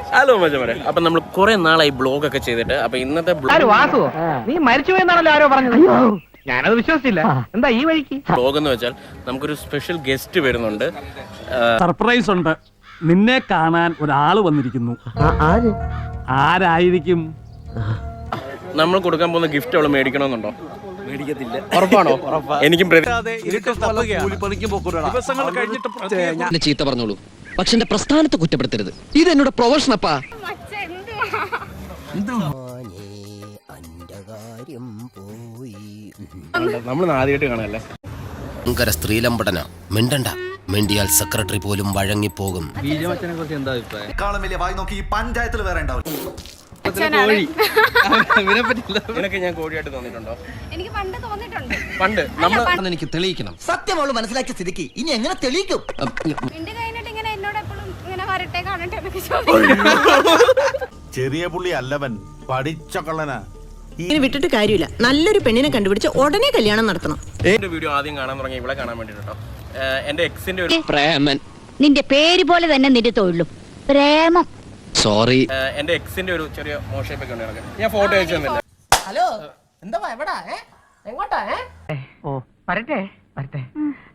Hello മച്ചമാരെ, അപ്പൊ നമ്മൾ കുറെ നാളായി ബ്ലോഗ് ഒക്കെ ചെയ്തിട്ട്, അപ്പൊ ഇന്നത്തെ നീ മരിച്ചു എന്നാണല്ലോ ആരോ പറഞ്ഞത്. ഞാനത് വിശ്വസിച്ചില്ല. എന്താ ഈ വഴിക്ക് ബ്ലോഗ് എന്ന് വെച്ചാൽ നമുക്കൊരു സ്പെഷ്യൽ ഗസ്റ്റ് വരുന്നുണ്ട്. സർപ്രൈസ് ഉണ്ട്. നിന്നെ കാണാൻ ഒരാള് വന്നിരിക്കുന്നു. ആരായിരിക്കും? നമ്മൾ കൊടുക്കാൻ പോകുന്ന ഗിഫ്റ്റ് അവള് മേടിക്കണമെന്നുണ്ടോ? മേടിക്കത്തില്ല. ഉറപ്പാണോ? എനിക്കും ചീത്ത പറഞ്ഞോളൂ, പക്ഷെ എന്റെ പ്രസ്ഥാനത്തെ കുറ്റപ്പെടുത്തരുത്. ഇത് എന്നോട് പ്രൊഫഷൻ അപ്പാ. നമ്മൾ ആദ്യമായിട്ട് കാണാല്ലേ. ഭയങ്കര സ്ത്രീലമ്പടന. മിണ്ടണ്ട, മിണ്ടിയാൽ സെക്രട്ടറി പോലും വഴങ്ങിപ്പോകും. വലിയ വായി നോക്കി ഈ പഞ്ചായത്തിൽ വേറെ ഉണ്ടാവും. നിനക്ക് ഞാൻ കോഴിയായിട്ട് തോന്നിയിട്ടുണ്ടോ? എനിക്ക് പണ്ട് തോന്നിയിട്ടുണ്ട്. പണ്ട് നമ്മൾ എനിക്ക് തെളിയിക്കണം. സത്യം അവള് മനസ്സിലാക്കിയ സ്ഥിതിക്ക് ഇനി എങ്ങനെ തെളിയിക്കും? മിണ്ടി കഴിഞ്ഞിട്ട് ഇങ്ങനെ എന്നോട് എപ്പോഴും ഇങ്ങനെ വരട്ടെ കാണട്ടെ എന്നൊക്കെ ചോദിക്കും. ചെറിയ പുള്ളി അല്ലവൻ, പഠിച്ച കള്ളനാ. ഇങ്ങനെ വിട്ടിട്ട് കാര്യമില്ല. നല്ലൊരു പെണ്ണിനെ കണ്ടുപിടിച്ച് ഉടനെ കല്യാണം നടത്തണം. എന്റെ വീഡിയോ ആദ്യം കാണാൻ തുടങ്ങി ഇവിടെ കാണാൻ വേണ്ടിട്ടോ. എന്റെ എക്സിന്റെ ഒരു പ്രേമൻ. നിന്റെ പേര് പോലെ തന്നെ നിന്റെ തൊഴിലും പ്രേമം. സോറി. എന്റെ എക്സിന്റെ ഒരു ചെറിയ മോശപ്പൊക്കെ ഉണ്ട്. ഞാൻ ഫോട്ടോ അയച്ചു തന്നില്ല. ഹലോ, എന്താ എവിടാ? എങ്ങോട്ടാ? ഓ വരട്ടെ വരട്ടെ.